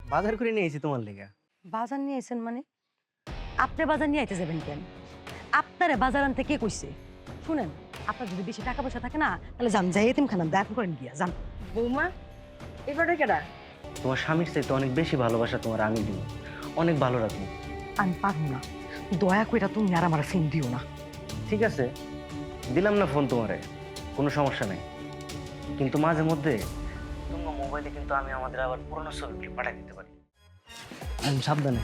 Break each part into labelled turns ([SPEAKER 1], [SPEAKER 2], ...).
[SPEAKER 1] বাজার করে নিয়ে এসেছি তোমার লেগে।
[SPEAKER 2] বাজার নিয়ে আইছেন মানে? আপনি বাজার নিয়ে আইতে যাবেন কেন? আপনারে বাজার আনতে কে কইছে? শুনেন, আপনার যদি বেশি টাকা পয়সা থাকে না, তাহলে যান যাই এতিমখানা দেখা করেন গিয়া যান।
[SPEAKER 3] বৌমা এবারে কেডা?
[SPEAKER 1] তোমার স্বামীর চাইতে অনেক বেশি ভালোবাসা তোমার আমি দিব, অনেক ভালো রাখবো।
[SPEAKER 2] আমি পারবো না, দয়া কইরা তুমি আর আমার ফোন দিও না।
[SPEAKER 1] ঠিক আছে, দিলাম না ফোন তোমারে, কোনো সমস্যা নেই। কিন্তু মাঝে মধ্যে তোমার মোবাইলে কিন্তু আমি আমাদের আবার পুরোনো ছবিগুলি পাঠিয়ে দিতে পারি। আমি সাবধানে।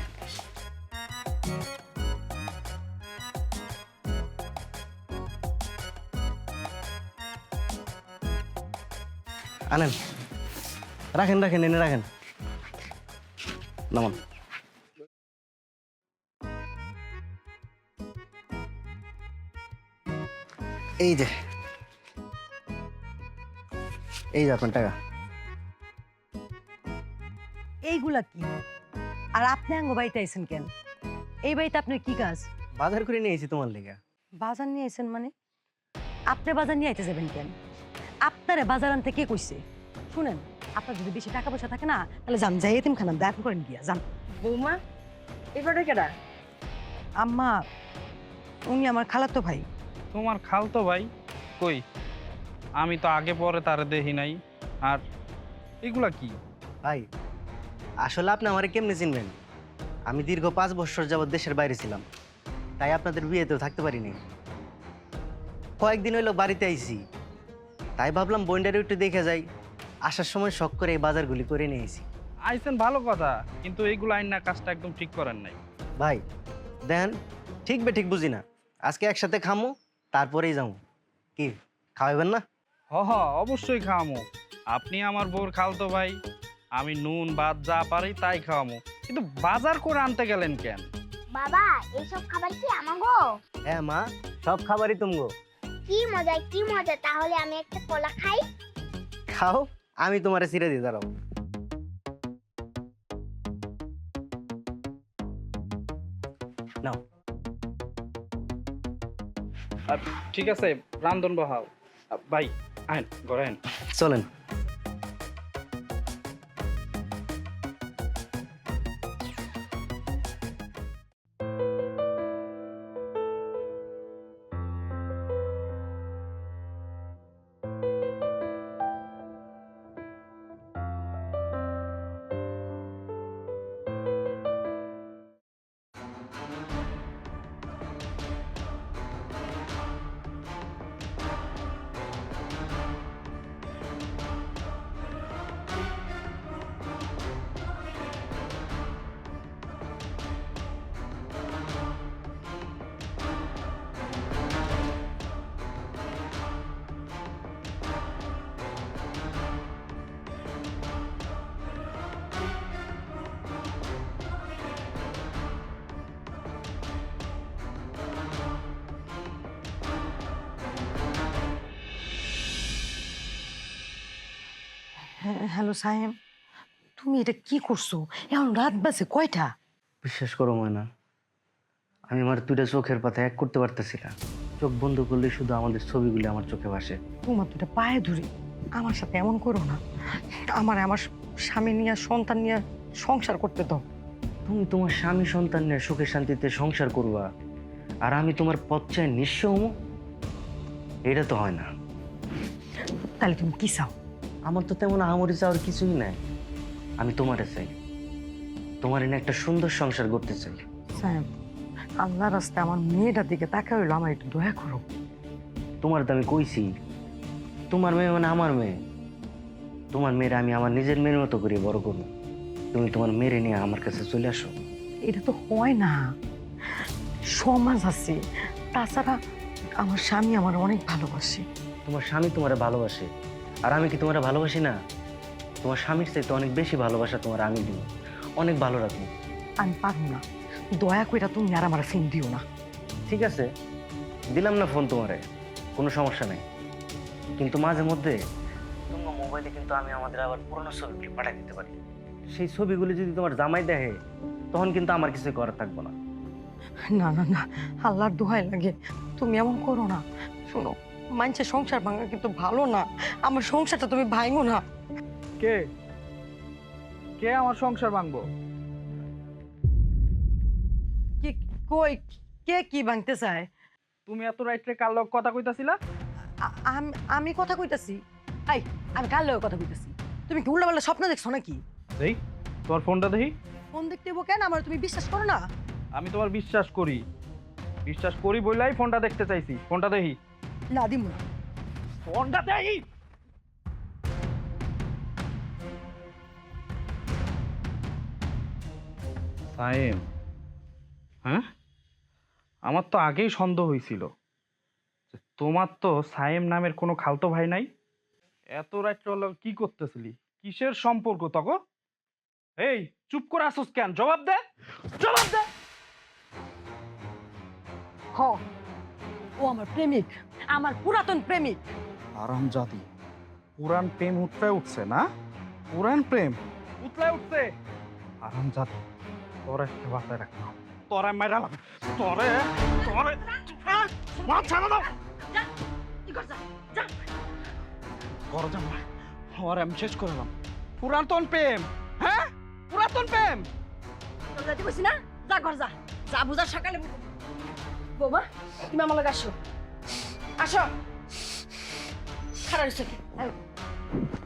[SPEAKER 1] আনেন, রাখেন রাখেন, এনে রাখেন। নামান। এই যে, এই যে আপনার টাকা।
[SPEAKER 2] এইগুলা কি? আর আপনি আঙ্গ বাড়িতে আইছেন কেন? এই বাড়িতে আপনার কি কাজ?
[SPEAKER 1] বাজার করে নিয়ে এসেছি তোমার লেগে।
[SPEAKER 2] বাজার নিয়ে আইছেন মানে? আপনি বাজার নিয়ে আইতে যাবেন কেন? আপনারে বাজার আনতে কে কইছে? শুনেন, আপনার যদি বেশি টাকা পয়সা থাকে না, তাহলে যান যাই এতিমখানা দেখা করেন গিয়া যান।
[SPEAKER 3] বৌমা এবারে কেডা?
[SPEAKER 2] আম্মা, উনি আমার খালাতো ভাই।
[SPEAKER 4] তোমার খালতো ভাই? কই, আমি তো আগে পরে তারে দেখি নাই। আর এগুলা কি?
[SPEAKER 1] ভাই, আসলে আপনি আমারে কেমনে চিনবেন? আমি দীর্ঘ 5 বছর যাবৎ দেশের বাইরে ছিলাম, তাই আপনাদের বিয়েতেও থাকতে পারিনি। কয়েকদিন হইলো বাড়িতে আইছি, তাই ভাবলাম বন্ডারে একটু দেখে যাই। আসার সময় শখ করে এই বাজারগুলি করে নিয়ে আইছি।
[SPEAKER 4] আইছেন ভালো কথা, কিন্তু এইগুলো আইন না কাজটা একদম ঠিক করেন নাই।
[SPEAKER 1] ভাই দেন, ঠিক ঠিক বুঝি না। আজকে একসাথে খামো, তারপরেই যাবো। কি খাওয়াবেন না?
[SPEAKER 4] হ হ, অবশ্যই খাওয়ামো। আপনি আমার বউর খালতো ভাই, আমি নুন ভাত যা পারি তাই খাওয়ামো। কিন্তু বাজার করে আনতে গেলেন কেন?
[SPEAKER 5] বাবা এইসব খাবার কি আমাগো?
[SPEAKER 1] হ্যাঁ মা, সব খাবারই তুমগো।
[SPEAKER 5] কি মজা কি মজা, তাহলে আমি একটা কলা খাই।
[SPEAKER 1] খাও, আমি তোমারে ছিঁড়ে দিয়ে দাঁড়াও। নাও।
[SPEAKER 4] আর ঠিক আছে, রান্ধন বহাও। ভাই আইন ঘরে আইন।
[SPEAKER 1] চলেন।
[SPEAKER 2] হ্যালো সাহেব, তুমি এটা কি করছো? এখন রাত বাজে কয়টা?
[SPEAKER 1] বিশ্বাস করো ময়না, আমি আমার দুইটা চোখের পাতা এক করতে পারতেছি না। চোখ বন্ধ করলে শুধু আমাদের ছবিগুলি আমার চোখে ভাসে।
[SPEAKER 2] তোমার দুটা পায়ে ধরে আমার সাথে এমন করো না। আমার স্বামী নিয়ে সন্তান নিয়ে সংসার করতে দাও।
[SPEAKER 1] তুমি তোমার স্বামী সন্তান নিয়ে সুখে শান্তিতে সংসার করবা, আর আমি তোমার পথচায় নিঃস্ব হমু? এটা তো হয় না।
[SPEAKER 2] তাহলে তুমি কি চাও?
[SPEAKER 1] আমার তো তেমন আহামরি চাওয়ার কিছুই নাই। আমি তোমারে চাই, তোমার এনে একটা সুন্দর সংসার করতে চাই।
[SPEAKER 2] সাহেব, আল্লাহ রাস্তায় আমার মেয়েটার দিকে তাকা হইলো, আমার একটু দয়া করো।
[SPEAKER 1] তোমার তো আমি কইছি, তোমার মেয়ে মানে আমার মেয়ে। তোমার মেয়ের আমি আমার নিজের মেয়ের মতো করে বড় করবো। তুমি তোমার মেয়েরে নিয়ে আমার কাছে চলে আসো।
[SPEAKER 2] এটা তো হয় না, সমাজ আছে। তাছাড়া আমার স্বামী আমার অনেক ভালোবাসে।
[SPEAKER 1] তোমার স্বামী তোমারে ভালোবাসে, আর আমি কি তোমারে ভালোবাসি না? তোমার স্বামীর চাইতে অনেক বেশি ভালোবাসা তোমার আমি দিব, অনেক ভালো রাখবো।
[SPEAKER 2] আমি পারবো না, দয়া কইরা তুমি আর আমার ফোন দিও না।
[SPEAKER 1] ঠিক আছে, দিলাম না ফোন তোমারে, কোনো সমস্যা নেই। কিন্তু মাঝে মধ্যে তোমার মোবাইলে কিন্তু আমি আমাদের আবার পুরোনো ছবিগুলি পাঠিয়ে দিতে পারি। সেই ছবিগুলি যদি তোমার জামাই দেখে, তখন কিন্তু আমার কিছু করার থাকবো না।
[SPEAKER 2] না না না, আল্লাহর দোহাই লাগে, তুমি এমন করো না। শোনো, মানুষের সংসার ভাঙা কিন্তু ভালো না। আমার সংসারটা তুমি ভাঙো না।
[SPEAKER 4] কে? কে আমার সংসার ভাঙবো?
[SPEAKER 2] কি কই কে কি ভাঙতে চায়?
[SPEAKER 4] তুমি এত রাইটে কার লগ কথা কইতাছিলা?
[SPEAKER 2] আমি কথা কইতাছি। আই আমি কার লগে কথা কইতাছি? তুমি কি উল্টাপাল্টা স্বপ্ন দেখছো নাকি?
[SPEAKER 4] দেই তোমার ফোনটা দেখি।
[SPEAKER 2] ফোন দেখতে হইবো কেন? আমার তুমি বিশ্বাস করো না?
[SPEAKER 4] আমি তোমার বিশ্বাস করি বইলাই ফোনটা দেখতে চাইছি। ফোনটা দেখি।
[SPEAKER 2] না দিমু না।
[SPEAKER 4] ফোনটা দেখি। সাইম, হ্যাঁ, আমার তো আগেই সন্দেহ হয়েছিল যে তোমার তো সাইম নামের কোনো খালতো ভাই নাই। এত রাত্রে হলো কি করতেছিলি? কিসের সম্পর্ক তখন? এই চুপ করে আসোস কেন? জবাব দে, জবাব দে।
[SPEAKER 2] হ, ও আমার প্রেমিক, আমার পুরাতন প্রেমিক।
[SPEAKER 4] আরামজাদি, পুরান প্রেম উতলায় উঠছে না? পুরান প্রেম উতলায় উঠছে। আরামজাদি, তোর একটা বাসায় রাখলাম, তোরে মেরালাম, তোরে তোরে মা ছাড়া দাও। ঘরে যাবো না, ওর আমি শেষ করলাম। পুরাতন প্রেম, হ্যাঁ পুরাতন প্রেম।
[SPEAKER 2] তোর যাইতে কইছি না? যা ঘর যা, যা বুঝা সকালে বুঝো।
[SPEAKER 3] বৌমা তুমি আমার লগে আসো, আসো। খারাপ হয়েছে কি?
[SPEAKER 2] আয়।